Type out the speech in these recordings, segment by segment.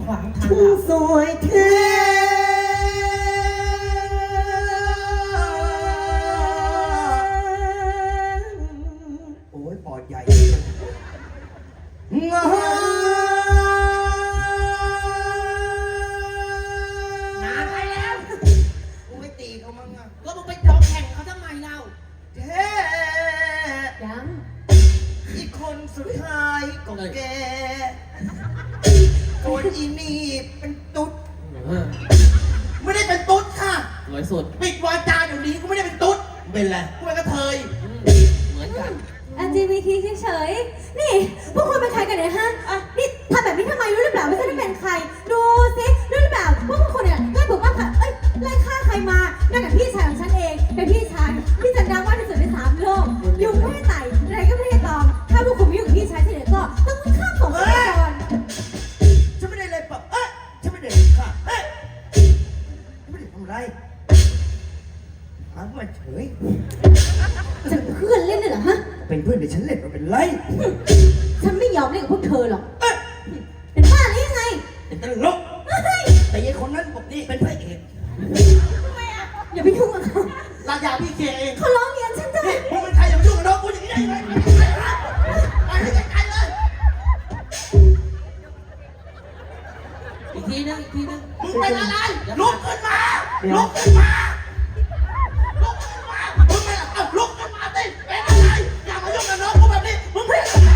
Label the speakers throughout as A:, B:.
A: ขวางทาง
B: ผู้สวยแท้โอ้ยปอดใหญ่งาน
A: ไปแล้ว
B: กูไม่ตีเขามั้งอ่ะ
A: ก็มึงไปจองแข่งเขาทำไมเรา
B: แท้
A: ยัง
B: อีกคนสุดท้ายก็แกคนอีนี่เป็นตุ๊ดไม่ได้เป็นตุ๊ดค่ะ
A: สวยสุด
B: ปิดวาจาเดี๋ยวนี้กูไม่ได้เป็นตุ๊ดเป็นไรกูเป็นกระเทย
A: เหมือนกัน
C: LGBT เฉยๆนี่พวกคุณเป็นใครกันเนี่ยฮะนี่ทำแบบนี้ทำไมรู้หรือเปล่าไม่ใช่ได้เป็นใครดูสิรู้หรือเปล่าว่าพวกคุณเนี่ยไล่ปกป้องค่ะไล่ฆ่าใครมานั่นแหละพี่ชายของฉันเองเป็นพี่ชายที่ฉันดังมากที่สุดใน3 โลกยุงไม่ได้ไต่อะไรก็ไม่ได้ตอมถ้าพวกคุณไม่อยู่กับพี่ชายที่ไหนก็ต้องข้ามสงครามก่อน
B: ฉันไม่ได้เลยปะฉันไม่ได้ค่ะฉันไม่ได้ทำไรหามาเฉย
C: จะเพื่อนเล่นเลยเหรอฮะ
B: เป็นเพื่อนเดี๋ยวฉันเล่นมาเป็นไร
C: ฉันไม่ยอมเล่นกับพวกเธอหรอกเป็นบ้าหรือยังไง
B: เป็นตลกแต่ยัยคนนั้นบอกนี่เป็นพระเอก
C: อย่าไปยุ่งกับเขา
B: ราชาพี่เคเอง
C: เขาร้องเรียนฉันจ้ะ
B: นี่มึงเป็นใครอย่ามายุ่งกับน้องกูอย่างนี้ได้ไหมไปให้ไกลๆเลย
A: อีกทีนึงอีกทีนึง
B: มึงเป็นอะไรลุกขึ้นมาลุกขึ้นมาลุกขึ้นมามึงเป็นอะไรลุกขึ้นมาสิเป็นอะไรอย่ามายุ่งกับน้องกูแบบนี้มึงเป็นอะไร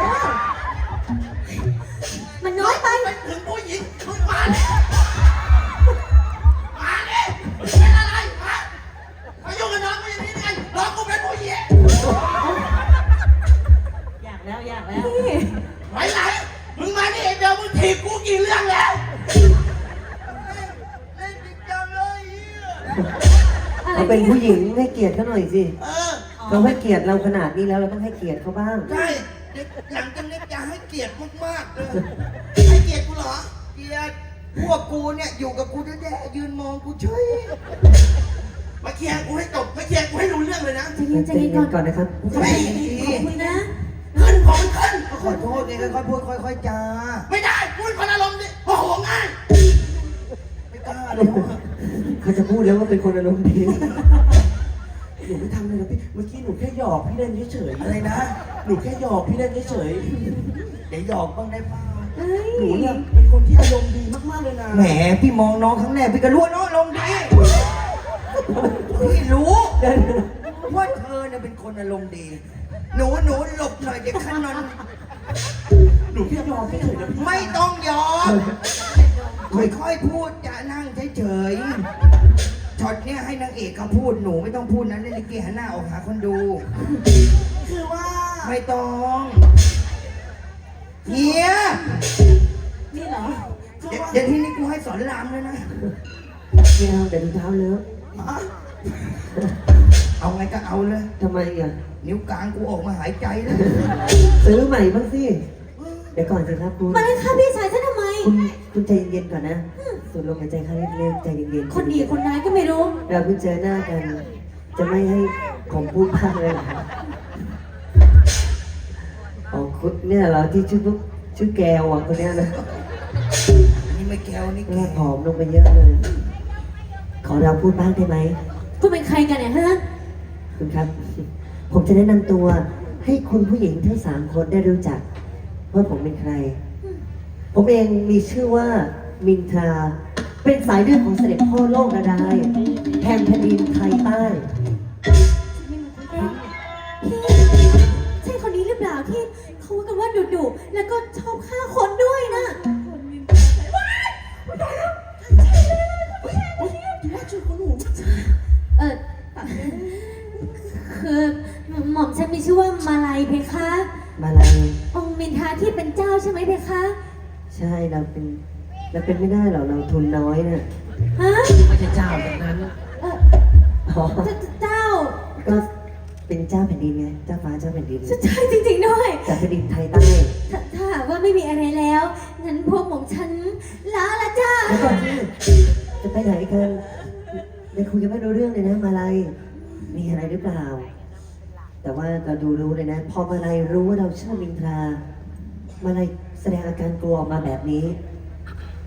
C: มันน้อยไป
B: เป็นถึงผู้หญิงมึงมาเนี่ยมาเนี่ยเป็นอะไรมายุ่งกับน้องกูอย่างนี้ได้ไงน้องกูเป็นผู้หญิง
A: อยากแล้วอยากแล้ว
C: พี่
B: ไปไหนมึงมานี่เดี๋ยวมึงถีบกูกี่เรื่องแล้วเล่นจริงจังเลย
D: เขาเป็นผู้หญิงให้เกียรติเขาหน่อยสิ
B: เออ
D: เขาให้เกียรติเราขนาดนี้แล้วเราต้องให้เกียรติเขาบ้าง
B: ใช่เด็กหลังจากนี้จะให้เกียรติมากๆเลยให้เกียรติกูเหรอเกียรติพวกกูเนี่ยอยู่กับกูแย่ๆยืนมองกูเฉยมาเคลียร์กูให้จบมาเคลียร์กูให้รู้เรื่องเลยนะ
C: ใจเย็นใจเย็นก่อน
D: ก่อนนะครับ
B: ไม่
C: ขอบคุณนะ
B: ขึ้นของขึ้นขอโทษนี่ค่อยๆพูดค่อยๆจาไม่ได้พูดคนอารมณ์ดิโมโหง่ายไม่กล้าเลย
D: เขาจะพูดแล้วว่าเป็นคนอารมณ์ดี
E: หนูไม่ทำเลยนะพี่ เมื่อกี้หนูแค่หยอกพี่เล่นเฉย
B: อะไรนะ
E: ๆ หนูแค่หยอกพี่เล่นเฉย
B: เดี๋ยวหยอกบ้างได้ป่า
C: เอ้ย
E: ๆ หนูเนี่ยเป็นคนที่อารมณ์ดีมากๆเลยนะ
B: แหมพี่มองน้องครั้งแรกพี่ก็รู้ว่าน้องอารมณ์ดีพี่รู้ว่าเธอเนี่ยเป็นคนอารมณ์ดี หนูหลบหน่อยเด็กข้างนั้น
E: หนูแค่หยอกเฉยๆนะพี่
B: ไม่ต้องยอมค่อยๆพูดจะนั่งเฉยๆช็อตเนี้ยให้นางเอกเขาพูดหนูไม่ต้องพูดนะเล่นลิเกหันหน้าออกหาคนดู
E: คือว่า
B: ไม่ต้องเฮีย
C: นี่เหรอ
B: เดี๋ยวทีนี้กูให้สอนรามเลยนะ
D: ไม่เอาแต่ถุงเท้าเลอะ
B: เอาไงก็เอาเลย
D: ทำไมอ่ะ
B: นิ้วกลางกูออกมาหายใจแล้ว
D: ซื้อใหม่บ้างสิ เดี๋ยวก่อนสิครับคุณ
C: มาเลยฆ่าพี่ชายฉันทำไม
D: คุณใจเย็นๆก่อนนะสูดลมหายใจเข้าเร็วๆใจเย็นๆ
C: คนดีคนร้ายก็ไม่รู้
D: เราเพิ่งเจอหน้ากัน จะไม่ให้ผมพูดพลาดเลยเหรออ๋อคุณเนี่ยเหราที่ชื่อแกวอ่ะคนเนี้ยนะ
B: นี่ไม่แก้วนี่
D: แก
B: แก
D: ผอมลงไปเยอะเลย ขอเราพูดบ้างได้ไหม
C: คุณเป็นใครกันเนี่ยฮะ
D: คุณครับ ผมจะแนะนำตัวให้คุณผู้หญิงทั้ง3 คนได้รู้จักว่าผมเป็นใคร ผมเองมีชื่อว่ามินทรา เป็นสายเลือดของเสด็จพ่อโลกนาดายแห่งแผ่นดินไทยใต้
C: ใช่คนนี้หรือเปล่าที่เขาว่ากันว่าดุๆแล้วก็ชอบฆ่าคนด้วยนะ เออคือหม่อมฉันมีชื่อว่ามาลัยเพคะ
D: มาลาย
C: องค์มินทาที่เป็นเจ้าใช่ไหมเพคะ
D: ใช่เราเป็นไม่ได้หรอกเราทุนน้อยนะ
C: ฮะ
A: ไม่ใช่เจ้าแบบนั้น
C: เออ
D: อ๋อ
C: เจ้า
D: ก็เป็นเจ้าแผ่นดินไงเจ้าฟ้าเจ้าแผ่นดิน
C: ใช่จริงๆด้วย
D: จากแผ่นดินไทยใต้
C: ถ้าหากว่าไม่มีอะไรแล้วงั้นพวกหม่อมฉันลาละจ้า
D: แล้วก่อนที่จะไปไหนกันได้คุยกันไม่รู้เรื่องเลยนะมาลายมีอะไรหรือเปล่า แต่ว่าเราดูรู้เลยนะ พอมาลายรู้ว่าเราชื่อมินทรามาลายแสดงอาการกลัวออกมาแบบนี้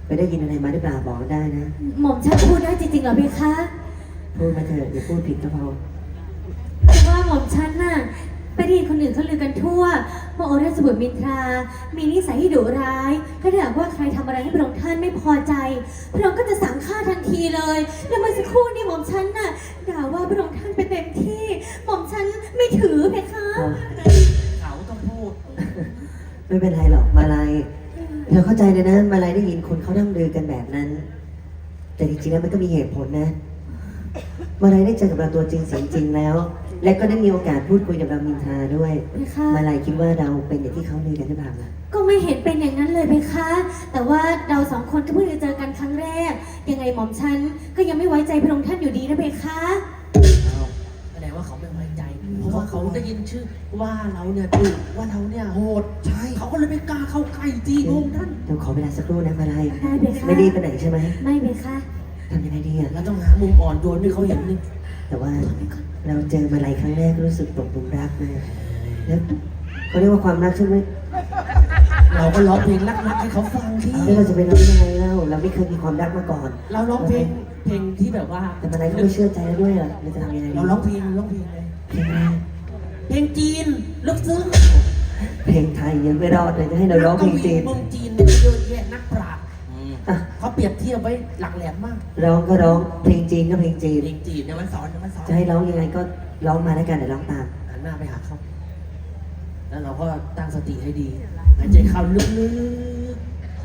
D: ไปได้ยินอะไรมาหรือเปล่าบอกได้นะ
C: หม่อมฉันพูดได้จริงๆเหรอเพคะ
D: พูดมาเถอะอย่าพูดผิดก็พอ
C: เพราะว่าหม่อมฉันน่ะไปได้ยินคนอื่นเขาลือกันทั่วว่าโอราชบุตรมินทรา มีนิสัยที่ดุร้าย ถ้าหากว่าใครทำอะไรให้พระองค์ท่านไม่พอใจ พระองค์ก็จะสั่งฆ่าทันทีเลย แล้วเมื่อสักครู่นี่หม่อมฉันน่ะด่าว่าพระองค์ท่านไปเต็มที่ หม่อมฉันไม่ถือเพคะ
A: เขาต้องพูด
D: ไม่เป็นไรหรอกมาลายเราเข้าใจเลยนะมาลายได้ยินคนเขานั่งลือกันแบบนั้น แต่จริงๆแล้วมันก็มีเหตุผลนะมาลายได้เจอกับเราตัวจริงเสียงจริงแล้ว และก็ได้มีโอกาสพูดคุยกับเรามินทราด้วย
C: เพคะ
D: มาลายคิดว่าเราเป็นอย่างที่เขาลือกันหรือเปล่าล่ะ
C: ก็ไม่เห็นเป็นอย่างนั้นเลยเพคะ แต่ว่าเราสองคนก็เพิ่งจะเจอกันครั้งแรก ยังไงหม่อมฉันก็ยังไม่ไว้ใจพระองค์ท่านอยู่ดีนะเพคะ
A: แสดงว่าเขาไม่ไว้ใจ เพราะว่าเขาได้ยินชื่อว่าเราเนี่ยดุว่าเราเนี่ยโหด
B: ใช่
A: เขาก็เลยไม่กล้าเข้าใกล้จีพระองค์ท่าน
D: เดี๋ยวขอเวลาสักครู่นะมาลาย
C: ได้เพคะ
D: ไม่รีบไปไหนใช่ไหม
C: ไม่เพคะ
D: ทำยังไงดีอ่ะ
A: เราต้องหามุมอ่อนโยนให้เขาเห็นนี่
D: แต่ว่าเราเจอมาลายครั้งแรกรู้สึกตกหลุมรักเลยแล้วเขาเรียกว่าความรักใช่ไหม
A: เราก็ร้องเพลงรักๆให้เขาฟังที่
D: แล้วเราจะไปร้องยังไงเล่าเราไม่เคยมีความรักมาก่อน
A: เราร้องเพลงที่แบบว่า
D: แต่มาลายก็ไม่เชื่อใจแล้วด้วยอ่ะเราจะทำยังไงดี
A: เราร้องเพลงเลย
D: เพลงอะไร
A: เพลงจีนลึกซึ้ง
D: เพลงไทยยังไม่รอดเลยจะให้เราร้องเพลงจีน
A: เมืองจีนเนี่ยเยอะแยะนักปราชญ์
D: อ่ะ
A: เขาเปรียบเทียบไว้หลักแหลมมาก
D: ร้องก็ร้องเพลงจีนก็เพลงจีน
A: เพลงจีนเนี่ยมันสอน
D: จะให้ร้องยังไงก็ร้องมาแล้วกันเดี๋ยวร้องตาม
A: หันหน้าไปหาเขาแล้วเราก็ตั้งสติให้ดีหายใจเข้าลึก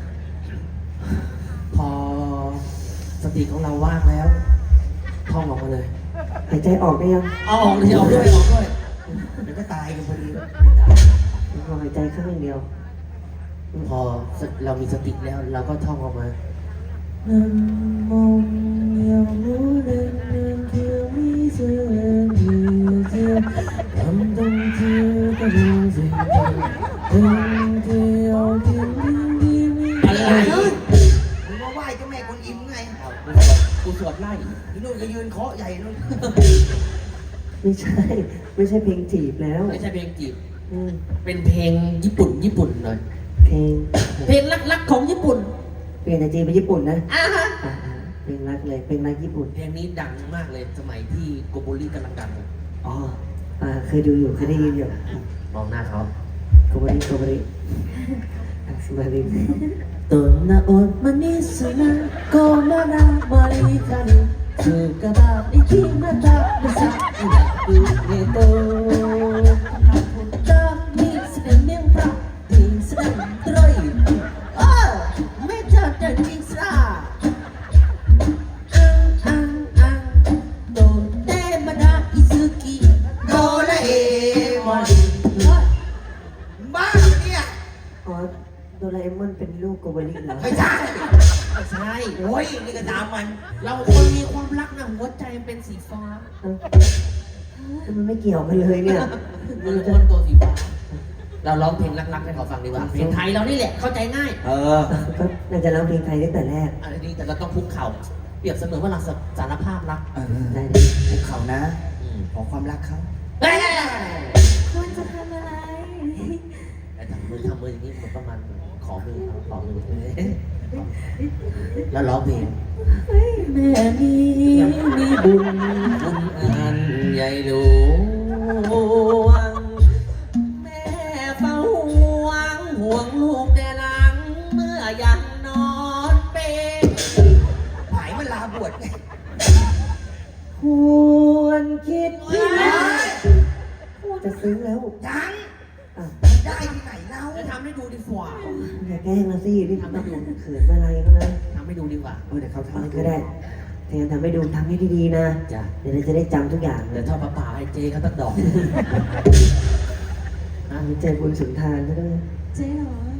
A: ๆพอสติของเราว่างแล้วท่องออกมาเลย
D: หายใจออกได้ยัง
A: เอาออกเลยออกด้วย
B: เดี๋ยวก็ตายกันพอดี
D: พอหายใจข้างเดียว
A: พอเรามีสติแล้วเราก็ท่องออกมาอะไร
B: มึงมาไหว้เจ้าแม่กวนอิมไง
A: กูสวดไล่
B: พี่นุ่นก็ยืนเคาะใหญ่นู่น
D: ไม่ใช่ ไม่ใช่เพลงจีบแล้ว
A: ไม่ใช่เพลงจีบ
D: อืม
A: เป็นเพลงญี่ปุ่นหน่อย
D: เพลง
A: เพลงรักๆของญี่ปุ่น
D: เปลี่ยนจากจีนเป็นญี่ปุ่นนะ
A: อ่าฮะ
D: อ่าเพลงรักเลยเพลงรักญี่ปุ่น
A: เพลงนี้ดังมากเลยสมัยที่โกโบริกำลังดัง
D: อ๋อเคยดูอยู่เคยได้ยินอยู่
A: มองหน้าเขา
D: โกโบริโกโบริสมาริ
A: Donna manisuna komana malikani Sukaba ikimata bisa inaku nito Tak ni sedang nempa Ni sedang teroi Oh, meja dan jingsra Donne mana isuki
B: โดราเอมอนบ้าเนี่ย
D: อ๋อโดราเอมอนเป็นลูกโกโบริเหรอ
B: ไม่ใช่
A: ไม่ใช่
B: โอ้ยนี่ก็ตามมัน
A: เราคนมีความรักนะหัวใจมันเป็นสีฟ้า
D: เอ้ามันไม่เกี่ยวกันเลยเนี่ย
A: มันคนตัวสีฟ้า เราร้องเพลงรักๆให้เขาฟังดีกว่า เพลงไทยเรานี่แหละเข้าใจง่าย
D: ก็น่าจะร้องเพลงไทยตั้งแต่แรก
A: อันนี้แต่เราต้องคุกเข่า เปรียบเสมือนว่าเราสารภาพรัก
D: ได้เลย
B: ภูเขานะ ขอความรักเขา
A: เฮ้ย
C: ควรจะทำอะไร
A: ไอ้ทำมืออย่างนี้มันประมาณขอมือเขาขอมือแล้วร้องเพลงแม่นี้มีบุญอันใหญ่หลวงแม่เฝ้าห่วงลูกแต่หลังเมื่อยังนอนเป็น
B: หายมันลาบวชไง
D: ควรคิดที่จะซื้อแล้ว
B: ยัง
D: อ่ะ
B: ได้ที่ไหนเล่า
A: จะทำให้ดูดีกว่า
D: อย่าแกล้งนะสินี่ทำให้ดูเขินอะไรก็นะ
A: ทำให้ดูดีกว่า
B: เดี๋ยวเขาทำให้
D: ก็ได้แต่ยังทำให้ดูทำให้ดีๆนะ
A: จ้ะ
D: เดี๋ยวเราจะได้จำทุกอย่างเล
A: เดี๋ย
D: ยว
A: ทอดปลาป่าให้เจ๊เขาตั้งดอก
D: เจอบุญสุนทานซะด้วย
C: เจ๊เหรอ